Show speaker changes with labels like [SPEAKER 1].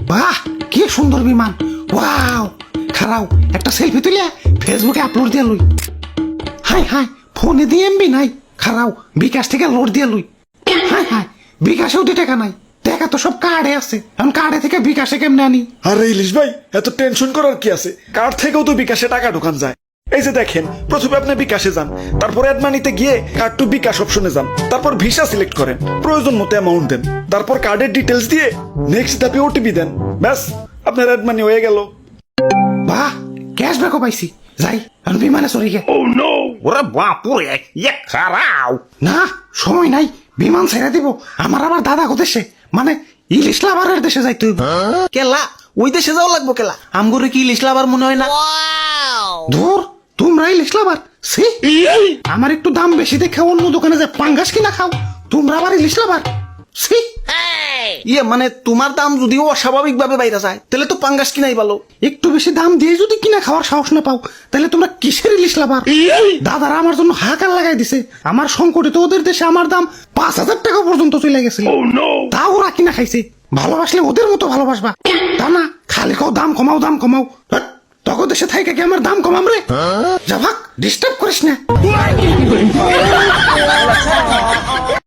[SPEAKER 1] বাহ কি সুন্দর বিমান, ওয়াও। খারাও একটা সেলফি তুলে ফেসবুকে আপলোড দিয়ে লই। হাই হাই ফোনে দিয়ে এমবি নাই, খারাও বিকাশ থেকে লোড দিয়ে লই। হাই হাই বিকাশেও 2 টাকা নাই, টাকা তো সব কার্ডে আছে, এখন কার্ডে থেকে বিকাশে কেমনে আনি?
[SPEAKER 2] আরে ইলিশ ভাই এত টেনশন করার কি আছে, কার্ড থেকেও তো বিকাশে টাকা ঢোকান যায়। এই যে দেখেন, প্রথমে আপনি বিকাশে যান, তারপর অ্যাড মানিতে গিয়ে কার্ড টু বিকাশ অপশনে যান, তারপর ভিসা সিলেক্ট করেন, প্রয়োজন মতো অ্যামাউন্ট দেন, তারপর কার্ডের ডিটেলস দিয়ে নেক্সট ধাপে ওটিপি দেন, ব্যাস আপনার অ্যাড মানি হয়ে গেল।
[SPEAKER 1] বাহ ক্যাশব্যাকও পাইছি, যাই এখন বিমানে চড়ি গে।
[SPEAKER 3] ওরে বাপুরে ইয়ে খারাও।
[SPEAKER 1] না সময় নাই, বিমান ছেড়ে দিব, আমার আবার দাদা কোদেশে, মানে ইলিশ লাভারের দেশে যাইতে হইব।
[SPEAKER 4] কেলা ওই দেশে যাও লাগবো কেলা, আমগরে কি ইলিশ লাভার মনে হয় না?
[SPEAKER 1] ধুর তোমরা ইলিশ লাভার, সি আমার একটু দাম বেশি দেখে অন্য দোকানে যে পাঙ্গাস কিনা খাও, তোমরা আবার ইলিশ লাভার, সি।
[SPEAKER 4] ইয়ে মানে তোমার দাম যদিও অস্বাভাবিক ভাবে বাইরে যায়, তাহলে তো পাঙ্গাস কিনাই ভালো।
[SPEAKER 1] একটু বেশি দাম দিয়ে যদি কিনা খাওয়ার সাহস না পাও, তাহলে তোমরা কিসের ইলিশ লাভার? দাদারা আমার জন্য হাহাকার লাগাই দিছে, আমার সংকটে তো ওদের দেশে আমার দাম 5,000 টাকা পর্যন্ত চলে গেছে, তাও ওরা কিনা খাইছে। ভালোবাসলে ওদের মতো ভালোবাসবা, তা না খালি কাও দাম কমাও দাম কমাও। হ্যাট, তখন দেশে থাইকা কি আমার দাম কমাম রে? যা ভাগ, ডিস্টার্ব করিস না।